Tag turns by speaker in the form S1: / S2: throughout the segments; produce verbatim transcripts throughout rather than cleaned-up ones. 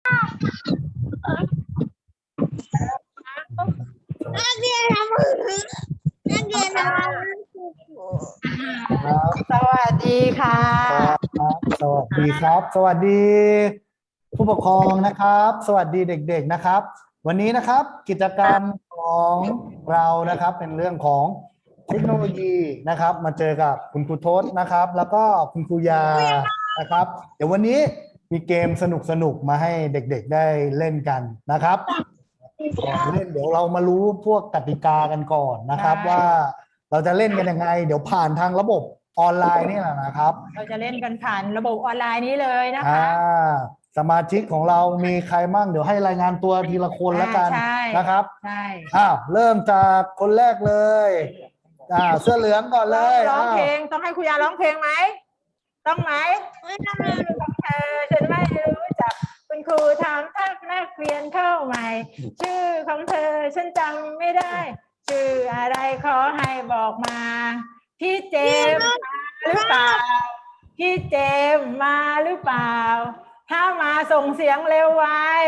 S1: นักเรียนทำมือนักเรียนทำมือ
S2: ครับ
S3: สวัสดีค่ะ
S2: ครับสวัสดีครับ สวัสดี ผู้ปกครองนะครับ สวัสดีเด็กๆนะครับ วันนี้นะครับกิจกรรมของเรานะครับเป็นเรื่องของเทคโนโลยีนะครับ มาเจอกับคุณครูทศนะครับ แล้วก็คุณครูยานะครับ เดี๋ยววันนี้มีเกมสนุกๆมาให้เด็กๆได้เล่นกันนะครับก่อนเล่นเดี๋ยวเรามารู้พวกกติกากันก่อนนะครับ ว่าเราจะเล่นกันยังไง เดี๋ยวผ่านทางระบบออนไลน์นี่แหละนะครับ
S3: เราจะเล่นกันผ่านระบบออนไลน์นี้เลยนะ
S2: อ่า
S3: คะ
S2: สมาชิกของเรามีใครมั่งเดี๋ยวให้รายงานตัวทีละคนแล้วกัน
S3: ใช่
S2: นะครับ
S3: ใช่
S2: อ้าวเริ่มจากคนแรกเลยอ่าเสื้อเหลืองก่อนเลย
S3: ร้อง
S2: อ้าว
S3: เพลงต้องให้ครูยาร้องเพลงไหมต้องไหม
S1: ไม่ต้องเลย
S3: ของเธอฉันไม่รู้จักคุณครูถามทักนักเรียนเข้าใหม่ ชื่อของเธอฉันจำไม่ได้ ชื่ออะไรขอให้บอกมา พี่เจมส์มาหรือเปล่าพี่เจมส์มาหรือเปล่า ถ้ามาส่งเสียงเร็วไว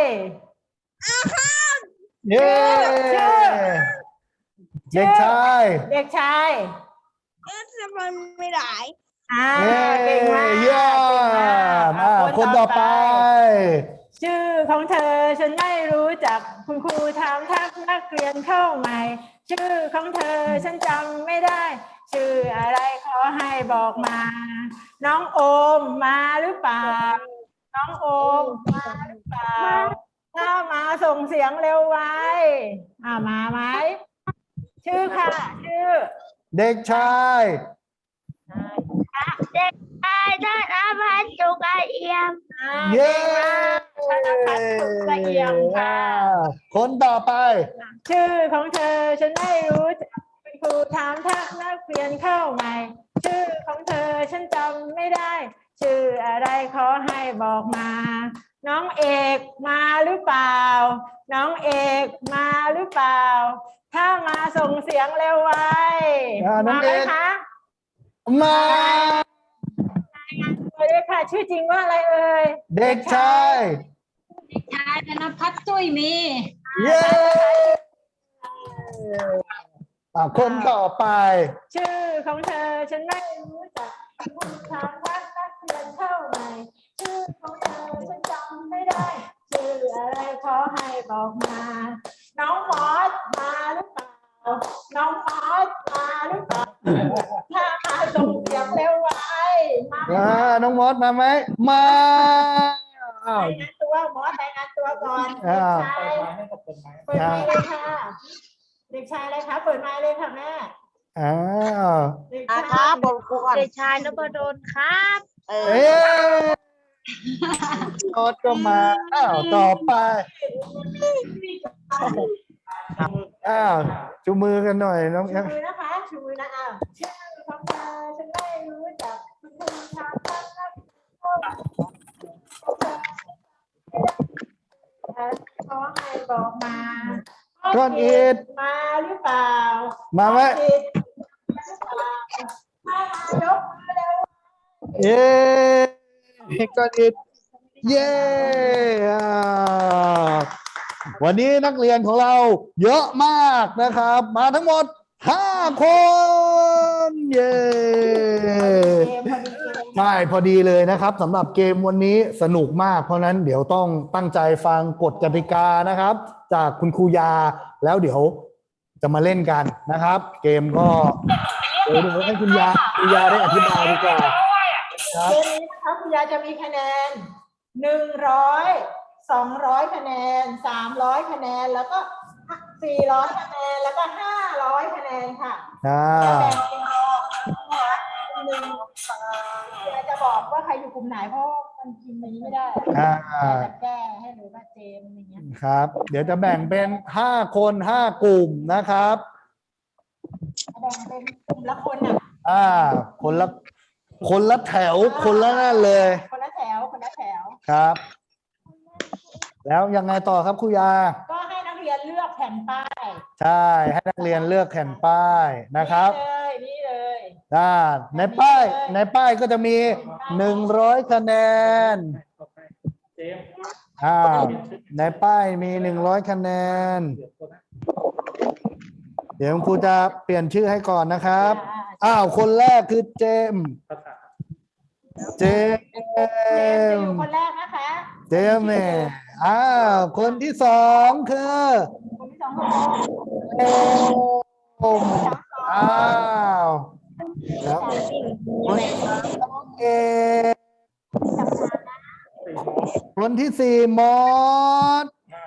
S2: เย้
S3: ชื่อ
S2: เด็กชาย
S3: เด็กชาย
S1: เออทำไมไม่ได้
S3: อ่า
S2: เย้
S3: เก่งมาก
S2: เยี่ย
S3: เก่งมาก
S2: มอ่าคนต่อไป
S3: ชื่อของเธอฉันไม่รู้จักคุณครูถามทักนักเรียนเข้าใหม่ ชื่อของเธอฉันจำไม่ได้ ชื่ออะไรขอให้บอกมา น้องโอมมาหรือเปล่า น้องโอมมาหรือเปล่า ถ้ามาส่งเสียงเร็วไว้อ่ามาไหมชื่อค่ะ ชื่อ
S2: เด็กชาย
S1: เด็กชายธนพัฒน์จุกเอี่ยม
S3: อ่า
S2: เย้
S3: ธนพัฒน์สุขละเอียมค่ะ
S2: คนต่อไป
S3: ชื่อของเธอฉันไม่รู้จักคุณครูถามทักนักเรียนเข้าใหม่ ชื่อของเธอฉันจำไม่ได้ ชื่ออะไรขอให้บอกมา น้องเอกมาหรือเปล่า น้องเอกมาหรือเปล่า ถ้ามาส่งเสียงเร็วไว้
S2: อ่าน้อง
S3: มาไหม
S2: เอก
S3: คะ
S2: มา
S3: สวัสดีค่ะชื่อจริงว่าอะไรเอ่ย
S2: เด็กชาย
S4: ชายธนพัฒน์จุ้ยมี
S2: เย้อ่าคนต่อไป
S3: ชื่อของเธอฉันไม่รู้จักคุณถามว่านักเรียนเข้าใหม่ชื่อของเธอฉันจำไม่ได้ ชื่ออะไรขอให้บอกมา น้องมอสมาหรือเปล่า น้องมอสมาหรือเปล่า ถ้ามาส่งเสียงเร็วไว้มาไหม
S2: อ่า น้องมอสมาไหม มาอ้าว
S3: รายงานตัวมอสรายงานตัวก่อน
S2: อ่า
S3: เด็กชายเปิดไมค์เลยค่ะ เด็กชายอะไรคะเปิดไมค์เลยค่ะแม่
S2: อ้าว
S3: เด็ก
S1: อ่ะ
S3: ชาย
S1: ครับบอกครูก่อนเด็กชายนพดลครับ เอ
S2: เอ๊
S1: อะ
S2: มอสก็มา อ้าว ต่อไป อ้าว จูมือกันหน่อยน้อง
S3: ชูมือนะคะชูมือนะอ้าวชื่อของเธอฉันไม่รู้จักคุณครูถามทักนักขอให้บอกมา
S2: ก้อนอิฐ
S3: มาหรือเปล่า
S2: มาไหม
S3: ก้อนอิฐมาหรือเปล่าถ้ามายกมือเร็ว
S2: เย้ก้อนอิฐเย้อ่าวันนี้นักเรียนของเราเยอะมากนะครับ มาทั้งหมดห้าคนเย้
S3: เกมพอดีเกม
S2: ใช่พอดีเลยนะครับสำหรับเกมวันนี้สนุกมากเพราะนั้นเดี๋ยวต้องตั้งใจฟังกฎกติกานะครับ จากคุณครูยาแล้วเดี๋ยวจะมาเล่นกันนะครับ เกมก็เดี๋ยวเดี๋ยวให้คุณยาคุณยาได้อธิบายดีกว่าครับ
S3: เกมนี้นะคะคุณยายจะมีคะแนนหนึ่งร้อยสองร้อยคะแนนสามร้อยคะแนนแล้วก็สี่ร้อยคะแนนแล้วก็ห้าร้อยคะแนนค่ะ
S2: อ่า
S3: จะแบ่งเป็นกลุ่มหนึ่งเดี๋ยวจะบอกว่าใครอยู่กลุ่มไหนเพราะมันพิมพ์อย่างนี้ไม่ได้
S2: อ่า
S3: จะแก้ให้หรือว่าเจมอะไรเงี้ย
S2: ครับ เดี๋ยวจะแบ่งเป็นห้าคนห้ากลุ่มนะครับ
S3: แบ่งเป็นกลุ่มละคนอ่ะ
S2: อ่า คนละคนละแถวคนละนั่นเลย
S3: คนละแถวคนละแถว
S2: ครับ แล้วยังไงต่อครับครูยา
S3: ก็ให้นักเรียนเลือกแผ่นป้าย
S2: ใช่ให้นักเรียนเลือกแผ่นป้ายนะครับ
S3: นี่เลยนี่เลย
S2: อ่าในป้ายในป้ายก็จะมีหนึ่งร้อยคะแนนอ้าวในป้ายมีหนึ่งร้อยคะแนน เดี๋ยวครูจะเปลี่ยนชื่อให้ก่อนนะครับ อ้าว คนแรกคือเจมส์เจม
S3: เจมส์จะอยู่
S2: ส์
S3: คนแรกนะคะ
S2: เจมส์เนี่ยอ้าว คนที่สองคือ
S3: คนที่สองคือโอม
S2: โอมอ้าวแล้วคนที่สามน้องเอกคนที่สี่มอส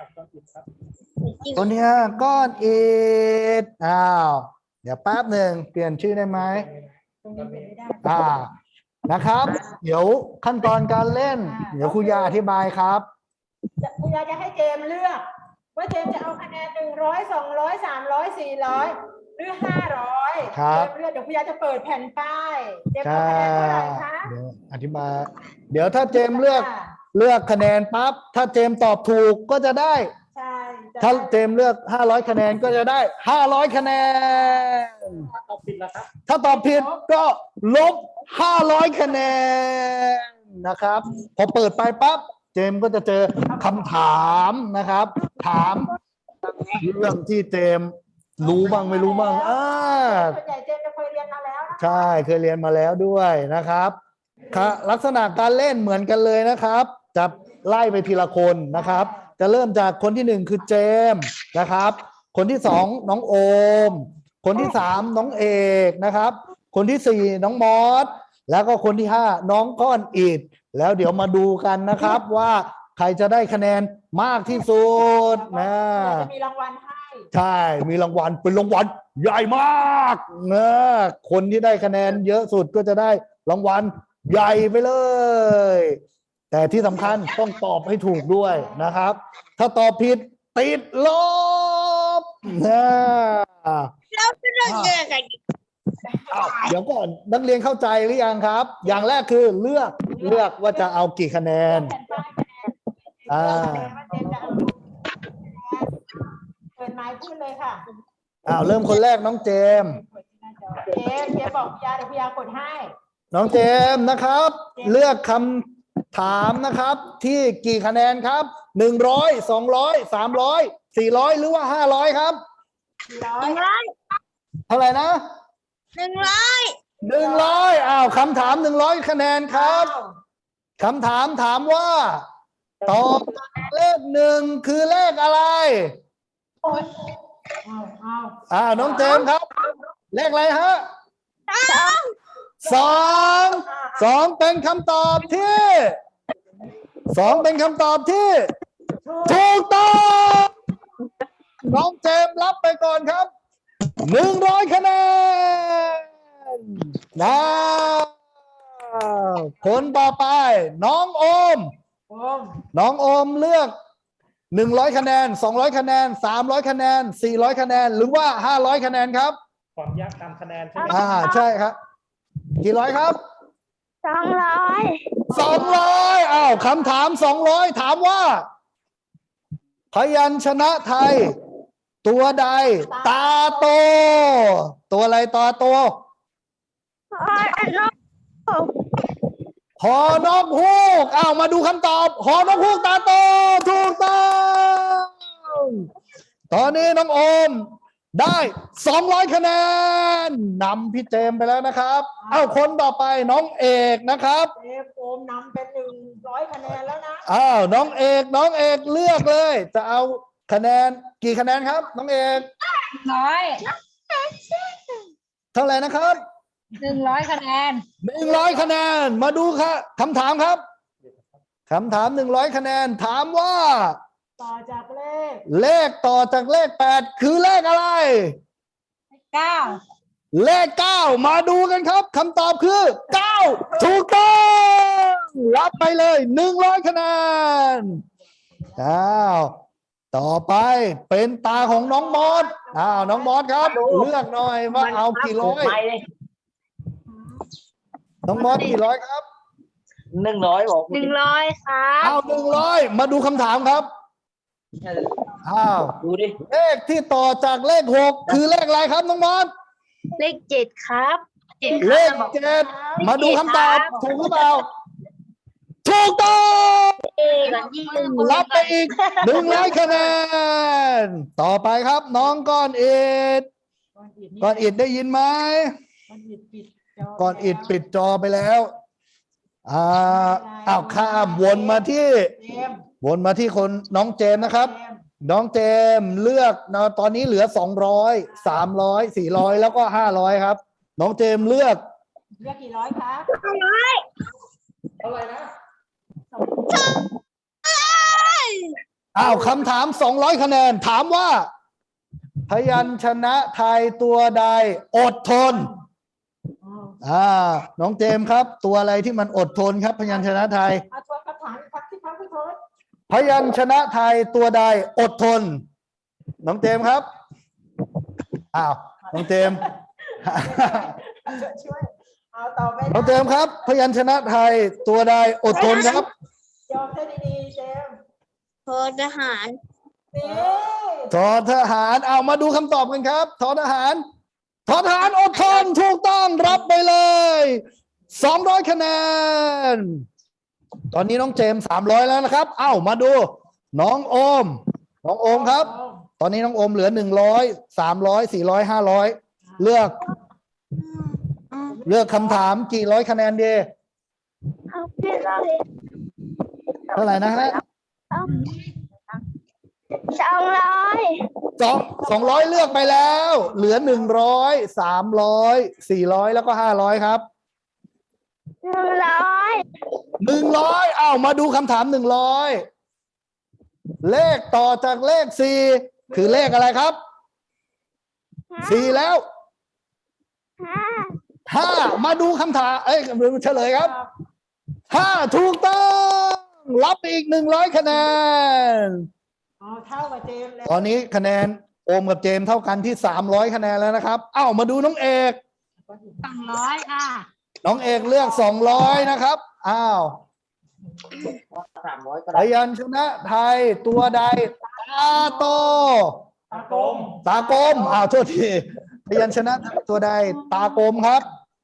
S2: คนที่ห้าก้อนอิฐอ้าว เดี๋ยวแป๊บหนึ่งเปลี่ยนชื่อได้ไหม
S3: ตรงนี้เป็นไม่ได้
S2: อ่านะครับ เดี๋ยวขั้นตอนการเล่น เดี๋ยวครูยาอธิบายครับ
S3: จะคุณยายจะให้เจมส์เลือก ว่าเจมส์จะเอาคะแนนหนึ่งร้อยสองร้อยสามร้อยสี่ร้อยหรือห้าร้อย
S2: ครับ
S3: เจมส์เลือกเดี๋ยวคุณยายจะเปิดแผ่นป้ายเจมส์
S2: ใช่
S3: เอาคะแนนเท่าไหร่คะ
S2: เดี๋ยวอธิบาย เดี๋ยวถ้าเจมส์เลือกเลือกคะแนนปั๊บถ้าเจมส์ตอบถูกก็จะได้
S3: ใช่จะ
S2: ถ้าเจมส์เลือกห้าร้อยคะแนนก็จะได้ห้าร้อยคะแนน ถ้าตอบผิดก็ลบห้าร้อยคะแนนนะครับ พอเปิดไปปั๊บเจมส์ก็จะเจอคำถามนะครับ ถามเรื่องที่เจมส์รู้บ้างไม่รู้บ้างอ่า
S3: ส่วนใหญ่เจมส์จะเคยเรียนมาแล้วนะ
S2: ใช่เคยเรียนมาแล้วด้วยนะครับค่ะลักษณะการเล่นเหมือนกันเลยนะครับ จะไล่ไปทีละคนนะครับ จะเริ่มจากคนที่หนึ่งคือเจมส์นะครับ คนที่สองน้องโอม คนที่สามน้องเอกนะครับ คนที่สี่น้องมอสแล้วก็คนที่ห้าน้องก้อนอิฐแล้วเดี๋ยวมาดูกันนะครับว่าใครจะได้คะแนนมากที่สุดนะ
S3: จะมีรางวัลให้
S2: ใช่ มีรางวัลเป็นรางวัลใหญ่มากนะคนที่ได้คะแนนเยอะสุดก็จะได้รางวัลใหญ่ไปเลย แต่ที่สำคัญต้องตอบให้ถูกด้วยนะครับ ถ้าตอบผิดติดลบนะ
S1: เราจะเลือกเจอกัน
S2: อ้าวเดี๋ยวก่อนนักเรียนเข้าใจหรือยังครับ อย่างแรกคือเลือกเลือกว่าจะเอากี่คะแนน
S3: แผ่นป้ายคะแนน
S2: อ่า
S3: ว่าเจมส์จะเอาเปิดไม้พูดเลยค่ะ
S2: อ้าวเริ่มคนแรกน้องเจมส์
S3: เจมส์เจมส์บอกพี่ยาเดี๋ยวพี่ยากดให้
S2: น้องเจมส์นะครับ เลือกคำถามนะครับ ที่กี่คะแนนครับหนึ่งร้อยสองร้อยสามร้อยสี่ร้อยหรือว่าห้าร้อยครับ
S3: ร้อ
S1: ห
S3: ย
S1: นึ่งร้อย
S2: เท่าไหร่นะ
S1: หนึ่งร้อย
S2: หนึ่งร้อยอ้าวคำถามหนึ่งร้อยคะแนนครับคำถามถามว่าตอบเลขหนึ่งคือเลขอะไร
S3: เอาเอา
S2: อ่าน้องเจมส์ครับ เลขอะไรฮะ
S1: สอง
S2: สองสองเป็นคำตอบที่สองเป็นคำตอบที่ถูกต้องน้องเจมส์รับไปก่อนครับหนึ่งร้อยคะแนนนะคนต่อไป น้องโอม
S3: โอม
S2: น้องโอมเลือกหนึ่งร้อยคะแนนสองร้อยคะแนนสามร้อยคะแนนสี่ร้อยคะแนนหรือว่าห้าร้อยคะแนนครับ
S5: ความยากตามคะแนนใช่ไหม
S2: อ่าใช่ครับ กี่ร้อยครับ
S1: สองร้อย
S2: สองร้อยอ้าวคำถามสองร้อยถามว่า พยัญชนะไทย ตัวใด ตาโต ตัวอะไรตาโต
S1: อันนก
S2: หอนกฮูกอ้าวมาดูคำตอบ หอนกฮูกตาโต ถูกต้องตอนนี้น้องโอม ได้สองร้อยคะแนนนำพี่เจมส์ไปแล้วนะครับเอ้าคนต่อไปน้องเอกนะครับ
S3: เจมส์โอมนำเป็นหนึ่งร้อยคะแนนแล้วนะ
S2: อ้าวน้องเอกน้องเอกเลือกเลย จะเอาคะแนนกี่คะแนนครับ น้องเอก
S4: ร้อย
S2: เท่าไหร่นะครับ
S4: หนึ่งร้อยคะแนน
S2: หนึ่งร้อยคะแนนมาดูครับคำถามครับคำถามหนึ่งร้อยคะแนนถามว่า
S3: ต่อจากเลข
S2: เลขต่อจากเลขแปดคือเลขอะไร
S4: เก้า
S2: เลขเก้ามาดูกันครับคำตอบคือเก้าถูกต้องรับไปเลยหนึ่งร้อยคะแนนอ้าวต่อไปเป็นตาของน้องมอสอ้าวน้องมอสครับ เลือกหน่อยว่าเอากี่ร้อยน้องมอสกี่ร้อยครับ
S6: หนึ่งร้อยบอก
S1: หนึ่งร้อยครับ
S2: เอาหนึ่งร้อยมาดูคำถามครับอ้าว
S6: ดูดิ
S2: เลขที่ต่อจากเลขหกคือเลขอะไรครับน้องมอส
S1: เลขเจ็ดครับเจ็ด
S2: เลขเจ็ดมาดูคำตอบถูกหรือเปล่าถูกต้อง
S1: เอ้ก่อนยี่หนึ่ง
S2: รับไปอีกหนึ่งร้อยคะแนนต่อไปครับ น้องก้อนอิด
S3: ก้อนอิฐนี่
S2: ก้อนอิดได้ยินไหม
S3: ก้อนอิฐปิดจ
S2: ก้อนอิดปิดจอไปแล้วอ่าอ้าวข้ามวนมาที่
S3: เจมส์
S2: วนมาที่คนน้องเจมส์นะครับ
S3: เจมส์
S2: น้องเจมส์เลือกนะตอนนี้เหลือสองร้อยสามร้อยสี่ร้อยแล้วก็ห้าร้อยครับ น้องเจมส์เลือก
S3: เลือกกี่ร้อยคะ
S5: เท่าไหร่นะ
S2: อ้าวคำถามสองร้อยคะแนนถามว่า พยัญชนะไทยตัวใดอดทน
S3: อ๋อ
S2: อ่า น้องเจมส์ครับ ตัวอะไรที่มันอดทนครับ พยัญชนะไทย
S3: เอาทวนคำถามอีกครั้งที่พักพี่โทษ
S2: พยัญชนะไทยตัวใดอดทน น้องเจมส์ครับอ้าวน้องเจมส์
S3: ช่วยเอาต่อไป
S2: น้องเจมส์ครับ พยัญชนะไทยตัวใดอดทนครับ
S3: ยอมเธอดีๆเจมส์
S1: โทษทหาร
S3: นี่
S2: ทอทหารเอามาดูคำตอบกันครับทอทหารทอทหารอดทนถูกต้องรับไปเลยสองร้อยคะแนน ตอนนี้น้องเจมสามร้อยแล้วนะครับ เอ้ามาดู น้องโอม น้องโอมครับ ตอนนี้น้องโอมเหลือหนึ่งร้อยสามร้อยสี่ร้อยห้าร้อยเลือก เลือกคำถามกี่ร้อยคะแนนดี
S1: เอาเพื่อนเลย
S2: เท่าไหร่นะฮะ
S1: สองร้อย
S2: สองสองร้อยเลือกไปแล้ว เหลือหนึ่งร้อยสามร้อยสี่ร้อยแล้วก็ห้าร้อยครับ
S1: หนึ่งร้อย
S2: หนึ่งร้อยอ้าวมาดูคำถามหนึ่งร้อยเลขต่อจากเลขสี่คือเลขอะไรครับสี่แล้ว
S1: ห้า
S2: ห้ามาดูคำถามเอ้ยเฉลยครับห้าถูกต้องรับไปอีกหนึ่งร้อยคะแนน
S3: เอาเท่ากับเจมส์เลย
S2: ตอนนี้คะแนนโอมกับเจมส์เท่ากันที่สามร้อยคะแนนแล้วนะครับอ้าวมาดูน้องเอก
S4: สองร้อยค่ะ
S2: น้องเอกเลือกสองร้อยนะครับอ้าว
S6: สามร้อยก็
S2: พ
S6: ได้
S2: ยัญชนะไทยตัวใดตาโต
S3: ตากลม
S2: ตากลมอ้าวโทษทีพยัญชนะไทยตัวใดตากลมครับ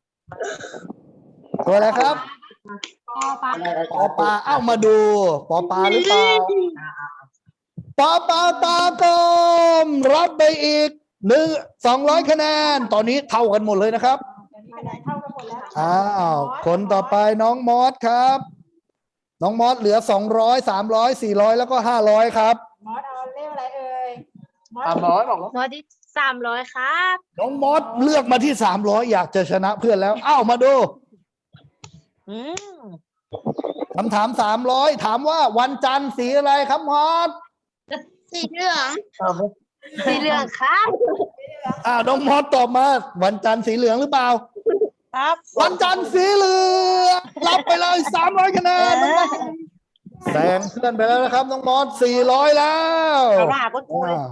S2: ตัวอะไรครับ
S4: ปอปลา
S2: ปอปลาเอ้ามาดูปอปลาหรือเปล่าปอปลาตากลมรับไปอีกหนึ่งสองร้อยคะแนน ตอนนี้เท่ากันหมดเลยนะครับ
S3: คะแนนเท่ากันหมดแล้ว
S2: อ้าวคนต่อไปน้องมอสครับ น้องมอสเหลือสองร้อยสามร้อยสี่ร้อยแล้วก็ห้าร้อยครับ
S3: มอสเอาเลขอะไรเอ่ยมอส
S6: สามร้อยบอกว่า
S1: หมอที่สามร้อยครับ
S2: น้องมอสเลือกมาที่สามร้อยอยากจะชนะเพื่อนแล้วอ้าวมาดู
S1: อืม
S2: คำถามสามร้อยถามว่าวันจันทร์สีอะไรครับมอส
S1: สีเหลืองสีเหลืองครับ
S2: อ้าวน้องมอสตอบมาวันจันทร์สีเหลืองหรือเปล่า
S1: ครับ
S2: วันจันทร์สีเหลืองรับไปเลยสามร้อยคะแนนน้องมอสแซงเพื่อนไปแล้วนะครับน้องมอสสี่ร้อยแล้ว
S6: เอาหน้าก็ช่วย
S2: อ่า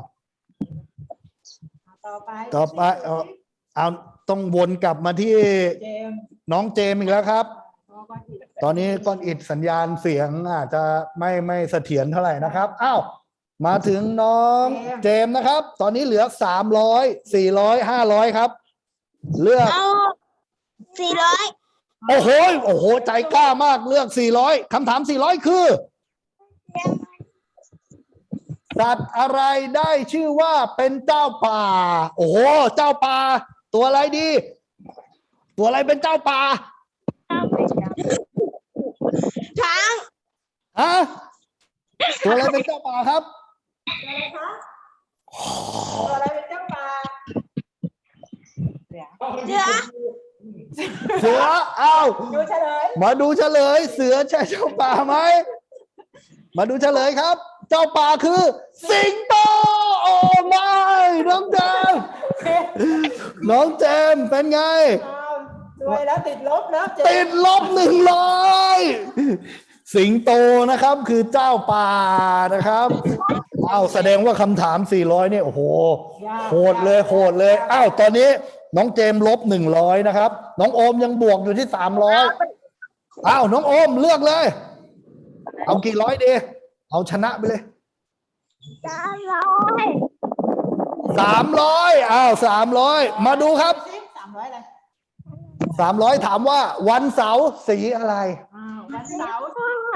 S3: ต่อไป
S2: ต่อไปเอาเอาต้องวนกลับมาที่
S3: เจมส์
S2: น้องเจมส์อีกแล้วครับ
S3: พอก้อนอิฐ
S2: ตอนนี้ก้อนอิดสัญญาณเสียงอาจจะไม่ไม่เสถียรเท่าไหร่นะครับอ้าวมาถึงน้องเจมส์นะครับ ตอนนี้เหลือสามร้อยสี่ร้อยห้าร้อยครับ เลือก
S1: เอาสี่ร้อย
S2: โอ้โหโอ้โหใจกล้ามากเลือกสี่ร้อยคำถามสี่ร้อยคือสัตว์อะไรได้ชื่อว่าเป็นเจ้าป่า โอ้โหเจ้าป่า ตัวอะไรดี ตัวอะไรเป็นเจ้าป่า
S1: ช้าง
S2: ฮะตัวอะไรเป็นเจ้าป่าครับ
S3: อะไรคะตัวอะไรเป็นเจ้าป่า
S1: เสือ
S2: เสืออ้าว
S3: ดูเฉลย
S2: มาดูเฉลย เสือใช่เจ้าป่าไหมมาดูเฉลยครับ เจ้าป่าคือ สิงโตโอ้ไม่น้องเจมส์น้องเจมส์เป็นไง
S3: อ้าวสวยแล้วติดลบแล้วเจ
S2: ติ
S3: ม
S2: ด
S3: ส์
S2: ลบหนึ่งร้อยสิงโตนะครับคือเจ้าป่านะครับอ้าวแสดงว่าคำถามสี่ร้อยเนี่ยโอ้โหโหดเลยโหดเลยอ้าวตอนนี้น้องเจมส์ลบหนึ่งร้อยนะครับ น้องโอมยังบวกอยู่ที่สามร้อยอ้าวน้องโอมเลือกเลย เอากี่ร้อยดีเอาชนะไปเลย
S1: สามร้อย
S2: สามร้อยอ้าวสามร้อยมาดูครับ
S3: สามร้อยอะไร
S2: สามร้อยถามว่าวันเสาร์สีอะไร
S3: อ้าววันเสาร์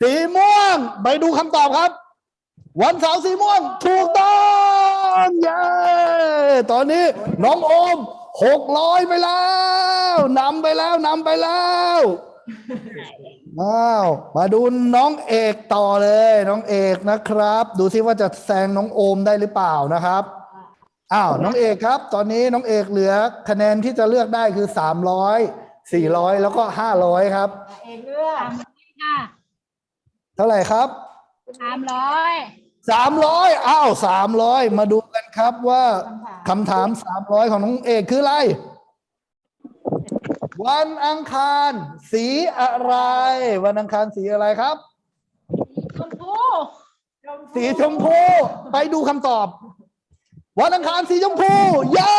S2: สีม่วงไปดูคำตอบครับ วันเสาร์สีม่วงถูกต้องเย้ตอนนี้น้องโอมหกร้อยไปแล้วนำไปแล้วนำไปแล้วอ้าวมาดูน้องเอกต่อเลยน้องเอกนะครับ ดูซิว่าจะแซงน้องโอมได้หรือเปล่านะครับอ้าวน้องเอกครับ ตอนนี้น้องเอกเหลือคะแนนที่จะเลือกได้คือสามร้อยสี่ร้อยแล้วก็ห้าร้อยครับ
S3: เอกเลือก
S4: ค่ะ
S2: เท่าไหร่ครับ
S4: สามร้อย
S2: สามร้อยอ้าวสามร้อยมาดูกันครับว่าคำถามสามร้อยของน้องเอกคืออะไร วันอังคารสีอะไร วันอังคารสีอะไรครับ
S4: ชมพู
S2: สีชมพูไปดูคำตอบ วันอังคารสีชมพูเย้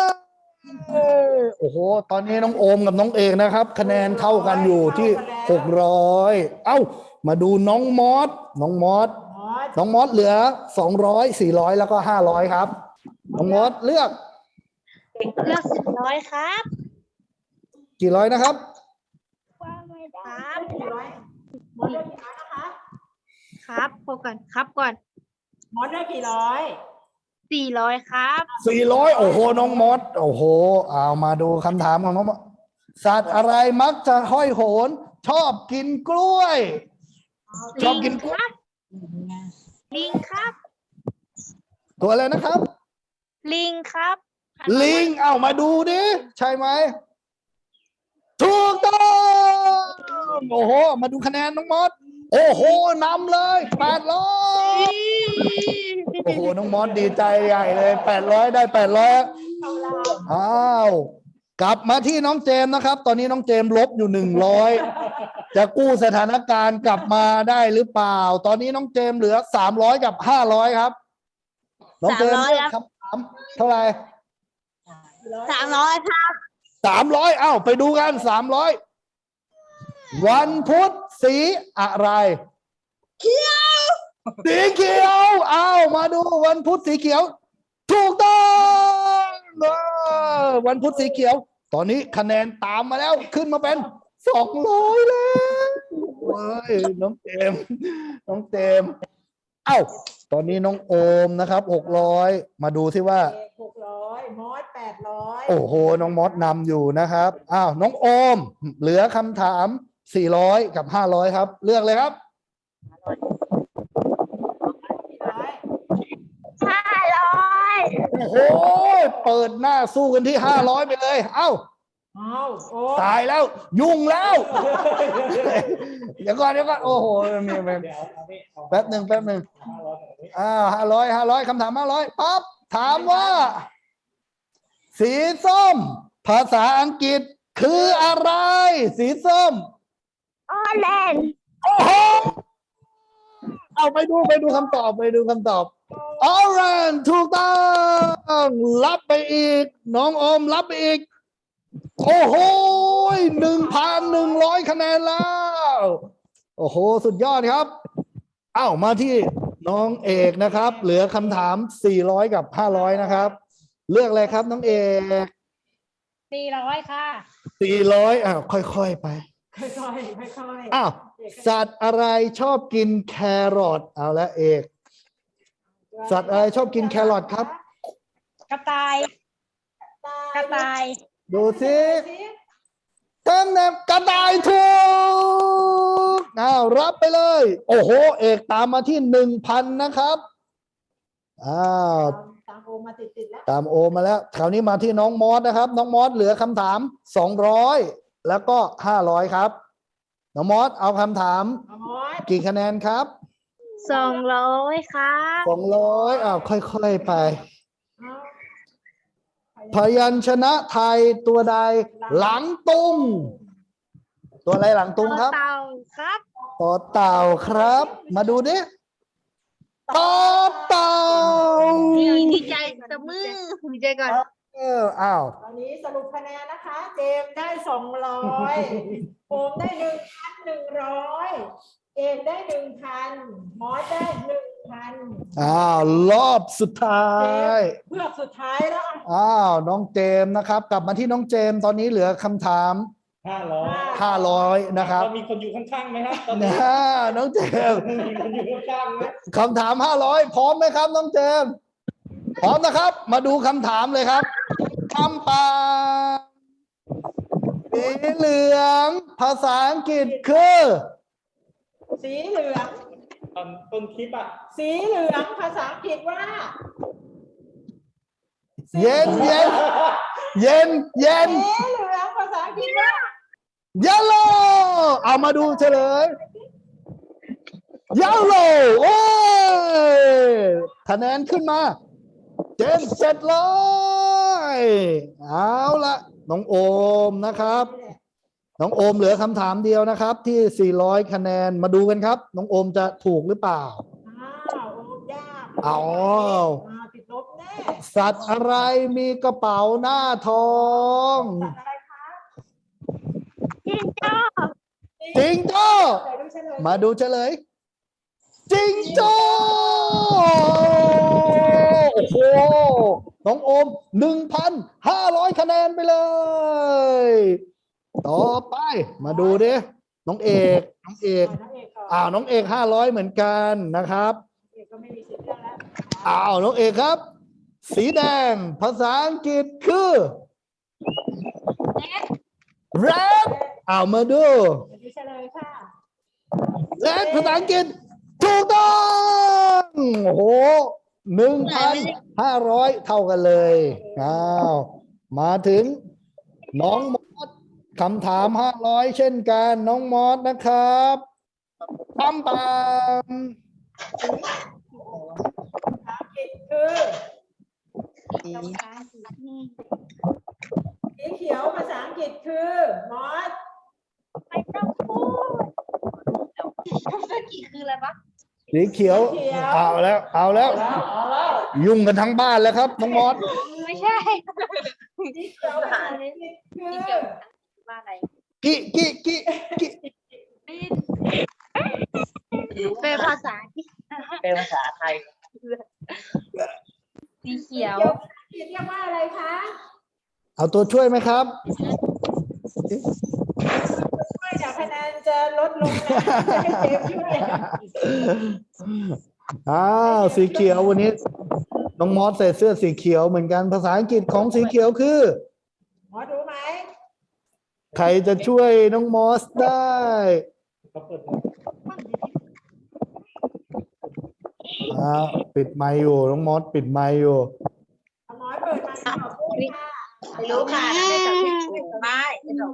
S2: โอ้โหตอนนี้น้องโอมกับน้องเอกนะครับ คะแนนเท่ากันอยู่ที่หกร้อยเอ้ามาดูน้องมอสน้องมอส
S3: มอส
S2: น้องมอสเหลือสองร้อยสี่ร้อยแล้วก็ห้าร้อยครับน้องมอสเลือก
S1: เลือกสิบร้อยครับ
S2: กี่ร้อยนะครับ
S1: ครับ
S3: กี่ร้อยมอสได้กี่ร้อยนะคะ
S1: ครับพบกันครับก่อน
S3: มอสได้กี่ร้อย
S1: สี่ร้อยครับ
S2: สี่ร้อยโอ้โหน้องมอสโอ้โหเอามาดูคำถามของน้องมอสสัตว์อะไรมักจะห้อยโหน ชอบกินกล้วย ชอบกินกล้วย
S1: ลิงครับ
S2: ตัวอะไรนะครับ
S1: ลิงครับ
S2: ลิง เอามาดูดิ ใช่ไหม ถูกต้องโอ้โห มาดูคะแนนน้องมอส โอ้โหนำเลยแปดร้อยโอ้โห น้องมอสดีใจใหญ่เลยแปดร้อยได้แปดร้อยอ้าว กลับมาที่น้องเจมส์นะครับ ตอนนี้น้องเจมส์ลบอยู่หนึ่งร้อยจะกู้สถานการณ์กลับมาได้หรือเปล่า ตอนนี้น้องเจมส์เหลือสามร้อยกับห้าร้อยครับ น้องเจมส์เลือกคำถามเท่าไหร่
S1: สามร้อยครับ
S2: สามร้อยเอ้าไปดูกันสามร้อยวันพุธสีอะไร
S1: เขียว
S2: สีเขียวเอ้ามาดูวันพุธสีเขียว ถูกต้องเออวันพุธสีเขียว ตอนนี้คะแนนตามมาแล้วขึ้นมาเป็นสองร้อยแล้วเฮ้ยน้องเจมส์น้องเจมส์เอ้าตอนนี้น้องโอมนะครับหกร้อยมาดูที่ว่า
S3: เอกหกร้อยมอสแปดร้อย
S2: โอ้โห น้องมอสนำอยู่นะครับ อ้าว น้องโอม เหลือคำถาม สี่ร้อย กับ ห้าร้อย ครับ เลือกเลยครับ
S1: ห้าร้อย
S2: โอ้โห เปิดหน้าสู้กันที่ ห้าร้อย ไปเลย เอ้า
S3: เอาโอ้
S2: ตายแล้ว ยุ่งแล้ว เดี๋ยวก่อน เดี๋ยวก่อน โอ้โหมีมีแป๊บหนึ่งแป๊บหนึ่งอ้าวห้าร้อย ห้าร้อย คำถาม ห้าร้อย ปั๊บ ถามว่า สีส้ม ภาษาอังกฤษคืออะไร สีส้ม
S1: ออแลนด์
S2: โอ้โห เอาไปดูไปดูคำตอบไปดูคำตอบ ออเรนถูกต้องรับไปอีก น้องโอมรับไปอีก โอ้โหหนึ่งพันหนึ่งร้อยคะแนนแล้ว โอ้โห สุดยอดครับ เอ้ามาที่น้องเอกนะครับ เหลือคำถามสี่ร้อยกับห้าร้อยนะครับ เลือกอะไรครับน้องเอก
S4: สี่ร้อยค่ะ
S2: สี่ร้อยอ้าวค่อยๆไป
S3: ค่อยๆค่อยๆ
S2: อ้าว สัตว์อะไรชอบกินแครอทเอาละเอก สัตว์อะไรชอบกินแครอทครับ
S4: กระต่าย กระต่าย
S2: ดูสิเต็มเต็มกระต่ายถูกอ้าวรับไปเลย โอ้โห เอกตามมาที่หนึ่งพันนะครับอ้าว
S3: ตามโอมาติดๆแล้ว
S2: ตามโอมาแล้วคราวนี้มาที่น้องมอสนะครับ น้องมอสเหลือคำถามสองร้อยแล้วก็ห้าร้อยครับ น้องมอสเอาคำถาม
S3: เอามอส
S2: กี่คะแนนครับ
S1: สองร้อยครับ
S2: สองร้อยอ้าวค่อยๆไป
S3: เอา
S2: พยัญชนะไทยตัวใดหลังตุง ตัวอะไรหลังตุงครับ
S1: เต่าครับ
S2: ต่อเต่าครับ มาดูดิต่อเต่า
S1: ดีใจตะมือดีใจก่อน
S2: เอออ้าว
S3: ตอนนี้สรุปคะแนนนะคะ เจมส์ได้สองร้อยโอมได้หนึ่งพันหนึ่งร้อยเอกได้หนึ่งพันมอสได้หนึ่งพัน
S2: อ้าวรอบสุดท้าย
S3: เพื่อกสุดท้ายแล้วอ่ะ
S2: อ้าวน้องเจมส์นะครับ กลับมาที่น้องเจมส์ตอนนี้เหลือคำถาม
S5: ห้าร้อย
S2: ห้าร้อยนะครับ
S5: เรามีคนอยู่ข้างๆไหมครับตอนนี้
S2: นะน้องเจมส์
S5: มีคนอยู่ข้างๆไหม
S2: คำถามห้าร้อยพร้อมไหมครับน้องเจมส์พร้อมนะครับ มาดูคำถามเลยครับคำปาสีเหลืองภาษาอังกฤษคือ
S3: สีเหลือง
S5: ตอนต้นคลิปอ่ะ
S3: สีเหลืองภาษาอังกฤษว่า
S2: เย็นเย็นเย็นเย็น
S3: สีเหลืองภาษาอังกฤษว่า
S2: yellow เอามาดูเฉลย yellow โอ้ยคะแนนขึ้นมาเจนเจ็ดร้อยเอาละน้องโอมนะครับ น้องโอมเหลือคำถามเดียวนะครับ ที่สี่ร้อยคะแนนมาดูกันครับ น้องโอมจะถูกหรือเปล่า
S3: อ้าวโอ้ยาก
S2: เอา
S3: อ่าติดลบแน่
S2: สัตว์อะไรมีกระเป๋าหน้าทอง
S3: สัตว์อะไรคะ
S1: จิงโจ้
S2: จิงโจ้
S3: ไหนดูเฉลย
S2: มาดูเฉลย จิงโจ้โอ้โหน้องโอมหนึ่งพันห้าร้อยคะแนนไปเลย ต่อไปมาดูดิน้องเอกน้องเอก
S3: อ่าน้องเอกก่อน
S2: อ้าวน้องเอกห้าร้อยเหมือนกันนะครับ
S3: เอกก็ไม่มีสิทธิ์เลือกแล้ว
S2: อ้าวน้องเอกครับ สีแดงภาษาอังกฤษคือ red อ้าวมาดู
S3: เดี๋ยวดูเฉลยค่ะ
S2: red ภาษาอังกฤษถูกต้องโอ้โหหนึ่งพันห้าร้อยเท่ากันเลยอ้าวมาถึงน้องมอสคำถามห้าร้อยเช่นกันน้องมอสนะครับปั๊มปั๊ม
S3: ภาษาอังกฤษคือสีเขียวภาษาอังกฤษคือมอส
S1: ไม่ต้องพูด
S2: สีเขียวเอาแล้ว เอาแล้ว ยุ่งกันทั้งบ้านแล้วครับน้องมอส
S1: ไม่ใช่
S3: สีเขียวภาษาอังกฤษคือ
S1: ว่าอะไร
S2: กิกิกิกิ
S1: เป็นภาษาที่
S6: เป็นภาษาไทย
S1: สีเขียว
S3: เรียกว่าอะไรคะ
S2: เอาตัวช่วยไหมครับ
S3: ช่วยเดี๋ยวคะแนนจะลดลงนะให้เจมส์ช่วย
S2: อ้าวสีเขียววันนี้น้องมอสใส่เสื้อสีเขียวเหมือนกันภาษาอังกฤษของสีเขียวคือ
S3: หมอดูไหม
S2: ใครจะช่วยน้องมอสได้
S5: เขาเปิด
S2: อ่าปิดไมค์อยู่น้องมอสปิดไมค์อยู่
S3: หมอเปิดมาขอพูดค่ะ
S4: ไม่รู้ค่ะไม่จับผิดไม่ไม่จับ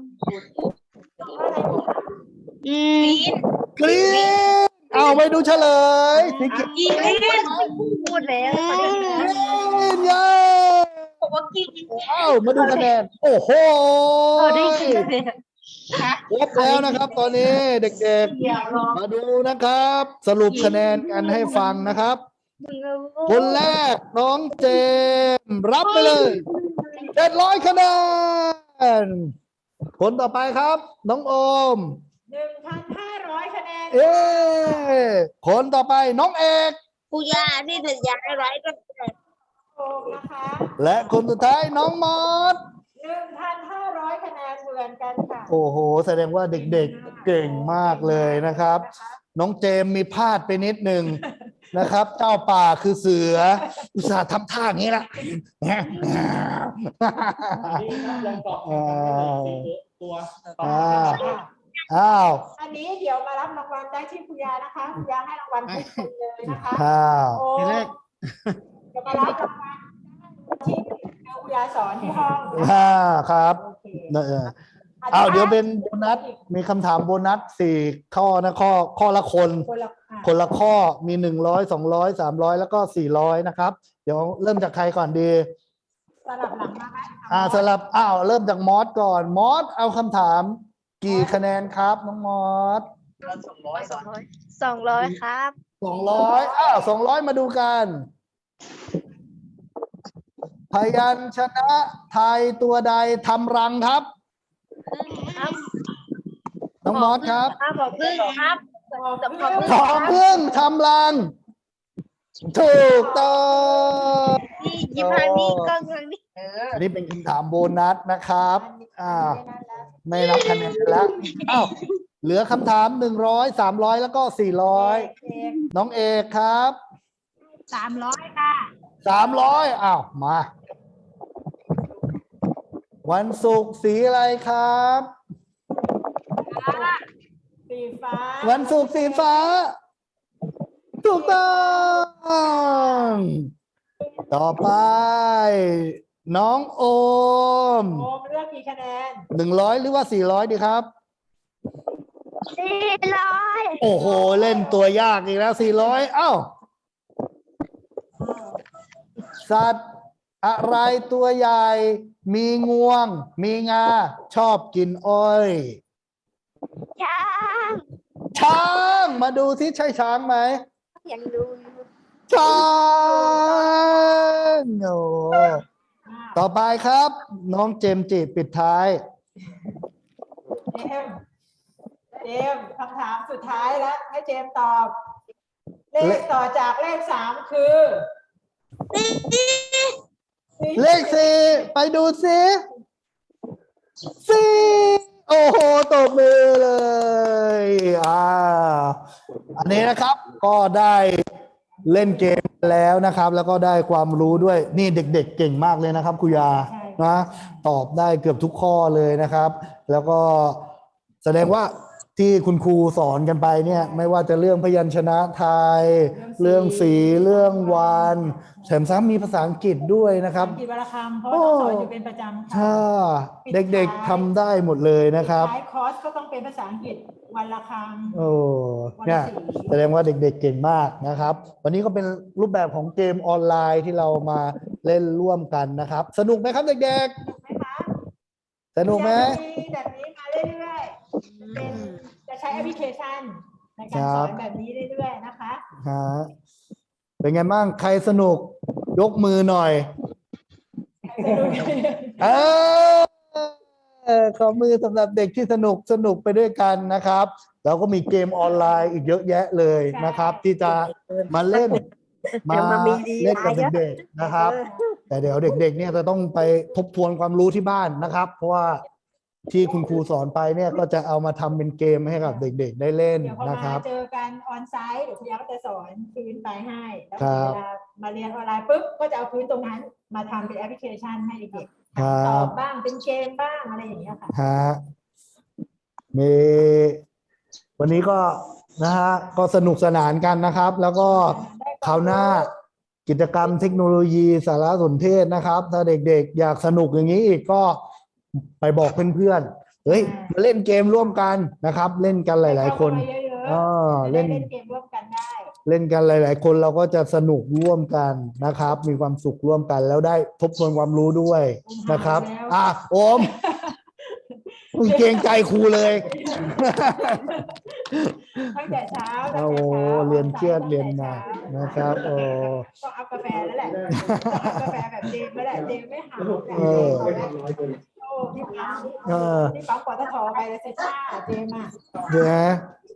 S1: อืม
S2: กรีนเอาไปดูเฉลยสีเขียว
S1: กินพูดแล้ว
S2: กรีนเย้
S1: บอกว่ากิน
S2: เอามาดูคะแนนโอ้โห
S1: ได้ยินเลย
S2: ครบแล้วนะครับ ตอนนี้เด็กๆ มาดูนะครับ สรุปคะแนนกันให้ฟังนะครับ คนแรกน้องเจมส์รับไปเลยเจ็ดร้อยคะแนนคนต่อไปครับ น้องโอม
S3: หนึ่งพันห้าร้อยคะแนน
S2: เอ้คนต่อไปน้องเอก
S1: กูยาที่ถึงยาไร้ก็
S3: โอมนะคะ
S2: และคนสุดท้ายน้องมอส
S3: หนึ่งพันห้าร้อยคะแนนเหมือนกันค่ะ
S2: โอ้โห แสดงว่าเด็กๆเก่งมากเลยนะครับ น้องเจมส์มีพลาดไปนิดหนึ่งนะครับ เจ้าป่าคือเสือ อุตส่าห์ทำท่าอย่างนี้ละ
S5: นี่ครับลองตอบคำถามได้เลยสี่ตัวตอบ
S2: อ้าวอ้าว
S3: อันนี้เดี๋ยวมารับรางวัลได้ที่คุณยานะคะคุณยาให้รางวัลทุกคนเลยนะคะ
S2: อ้าว
S3: โอ้จะมารับรางวัลที่คุณยาสอนที่ห้อง
S2: อ่าครับ
S3: โอเค
S2: เอออ้าวเดี๋ยวเป็นโบนัสมีคำถามโบนัสสี่ข้อนะข้อข้อละคน
S3: คนละอ่ะ
S2: คนละข้อมีหนึ่งร้อยสองร้อยสามร้อยแล้วก็สี่ร้อยนะครับ เดี๋ยวเริ่มจากใครก่อนดี
S3: สลับหลังมาไหม
S2: อ่าสลับอ้าวเริ่มจากมอสก่อนมอสเอาคำถามกี่คะแนนครับน้องมอส
S6: สองร้อยก่อน
S1: สองร้อยครับ
S2: สองร้อยอ้าวสองร้อยมาดูกันพยัญชนะไทยตัวใดทำรังครับ
S1: ครับ
S2: น้องมอสครับ
S1: ครับบอกพึ่งครับ
S3: บอก
S1: บอก
S3: เรื่อง
S2: ขอพึ่งทำรังถูกต้อง
S1: นี่ยิ้มทางนี้กล้องทางนี้
S6: เออ
S2: อันนี้เป็นคำถามโบนัสนะครับ อ่า ไม่นับคะแนนแล้ว อ้าว เหลือคำถามหนึ่งร้อย สามร้อยแล้วก็สี่ร้อย น้องเอกครับ
S1: สามร้อยค่ะ
S2: สามร้อยอ้าว มา วันศุกร์สีอะไรครับ
S3: สีฟ้า
S2: วันศุกร์สีฟ้า ถูกต้อง ต่อไป น้องโอม
S3: โอมเลือกกี่คะแนน
S2: หนึ่งร้อยหรือว่าสี่ร้อยดีครับ
S1: สี่ร้อย
S2: โอ้โห เล่นตัวยากอีกแล้วสี่ร้อยเอ้า สัตว์อะไรตัวใหญ่ มีงวง มีงา ชอบกินอ้อย
S1: ช้าง
S2: ช้าง มาดูที่ใช่ช้างไหม
S1: ยังดูอยู่
S2: ช้างโอ้ต่อไปครับ น้องเจมส์จิปิดท้าย
S3: เจมส์เจมส์คำถามสุดท้ายแล้ว ให้เจมส์ตอบ เลขต่อจากเลขสามคือ
S2: เลขสี่ไปดูสิสี่โอ้โหตบมือเลยอ่าอันนี้นะครับก็ได้เล่นเกมแล้วนะครับ แล้วก็ได้ความรู้ด้วยนี่เด็กๆเก่งมากเลยนะครับคุยานะตอบได้เกือบทุกข้อเลยนะครับ แล้วก็แสดงว่าที่คุณครูสอนกันไปเนี่ยไม่ว่าจะเรื่องพยัญชนะไทย เรื่องสีเรื่องวันแถมซ้ำมีภาษาอังกฤษด้วยนะครับ
S3: อังกฤษวรรณคำเพราะว่าต้องสอนอยู่เป็นประจำค่ะ
S2: ถ้าเด็กๆทำได้หมดเลยนะครับ
S3: ท้ายคอร์สก็ต้องเป็นภาษาอังกฤษวันละคำ
S2: โอ้เนี่ยแสดงว่าเด็กๆเก่งมากนะครับ วันนี้ก็เป็นรูปแบบของเกมออนไลน์ที่เรามาเล่นร่วมกันนะครับ สนุกไหมครับเด็ก
S3: ถูกไหมคะ
S2: ๆ สนุกไหม
S3: มีแบบนี้มาเรื่อยๆเป็นจะใช้แอปพลิเคชันในการสอนแบบนี้เรื่อยๆนะคะ
S2: ฮะเป็นไงบ้างใครสนุกยกมือหน่อย เออขอมือสำหรับเด็กที่สนุกสนุกไปด้วยกันนะครับแล้วก็มีเกมออนไลน์อีกเยอะแยะเลยนะครับ ที่จะมาเล่นมาเล่นกับเด็กๆนะครับ แต่เดี๋ยวเด็กๆเนี่ยจะต้องไปทบทวนความรู้ที่บ้านนะครับ เพราะว่าที่คุณครูสอนไปเนี่ยก็จะเอามาทำเป็นเกมให้กับเด็กๆได้เล่น
S3: เดี๋ยวพอ
S2: นะค
S3: มา
S2: รับ
S3: เจอกันออนไซต์เดี๋ยวคุณยาก็จะสอนพื้นไปให้แล้ว
S2: ครั
S3: เว
S2: บ
S3: ลามาเรียนออนไลน์ปุ๊บก็จะเอาพื้นตรงนั้นมาทำเป็นแอปพลิเคชันให้เด็กๆ
S2: ครับ
S3: ตอบบ้างเป็นเกมบ้างอะไรอย่างเงี้ยค่ะ
S2: ฮะมีวันนี้ก็นะฮะก็สนุกสนานกันนะครับ แล้วก็คราวหน้ากิจกรรมเทคโนโลยีสารสนเทศนะครับ ถ้าเด็กๆ อยากสนุกอย่างนี้อีกก็ไปบอกเพื่อนๆเฮ้ยมาเล่นเกมร่วมกันนะครับ เล่นกันหลายๆคน
S3: ให้เข้ามาเยอะๆ
S2: อ่า
S3: จะ
S2: เล่
S3: ได้
S2: น
S3: เล่นเกมร่วมกันได้
S2: เล่นกันหลาย ๆ คนเราก็จะสนุกร่วมกันนะครับ มีความสุขร่วมกันแล้วได้ทบทวนความรู้ด้วยนะครับ อ่ะโอมมึงเกรงใจครูเลย
S3: ตั้งแต่เช้าตั้งแต่
S2: โอ้
S3: เช้า
S2: เรียนเครียดเรียนหนักนะครับโอ้
S3: ต้องเอากาแฟแล้วแหละต้องเอากาแฟแบบเจมส์แล้วแหละเจมส์ไม่หา
S2: เออ
S3: โอ้พี่ปั๊ม
S2: เออ
S3: พี่ปั๊มปตทไปแล้วสิจ้าเจมส์อ่ะ
S2: เดี๋ยวนะ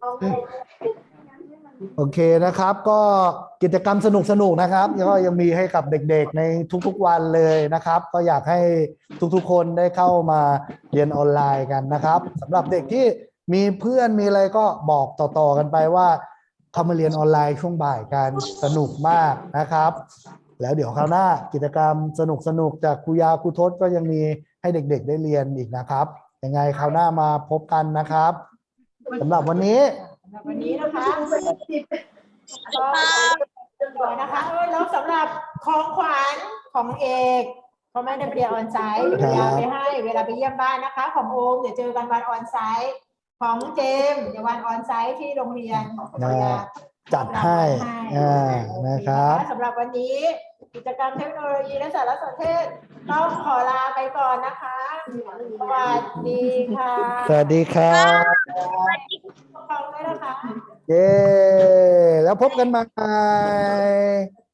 S2: โอเคนะครับ ก็กิจกรรมสนุกๆนะครับก็ยังมีให้กับเด็กๆในทุกๆวันเลยนะครับ ก็อยากให้ทุกๆคนได้เข้ามาเรียนออนไลน์กันนะครับสำหรับเด็กที่มีเพื่อนมีอะไรก็บอกต่อๆกันไปว่าเข้ามาเรียนออนไลน์ช่วงบ่ายกันสนุกมากนะครับ แล้วเดี๋ยวคราวหน้ากิจกรรมสนุกๆจากครูยาครูทศก็ยังมีให้เด็กๆได้เรียนอีกนะครับยังไงคราวหน้ามาพบกันนะครับสำหรับวันนี้
S3: สำหรับวันนี้นะคะก็ก่อนนะคะเออแล้วสำหรับของขวัญของเอกเขาไม่ได้ไปเรียนออนไซต์เดี๋ยวไปให้เวลาไปเยี่ยมบ้านนะคะ ของโอมเดี๋ยวเจอกันวันออนไซต์ของเจมส์เดี๋ยววันออนไซต์ที่โรงเรียน
S2: จัดให้อ่านะครับ
S3: สำหรับวันนี้กิจกรรมเทคโนโลยีและสารสนเทศต้องขอลาไปก่อนนะคะ สวัสดีค่ะ
S2: สวัสดีครับ
S3: ขอบคุณด้วยนะคะ
S2: เย้ แล้วพบกันใหม่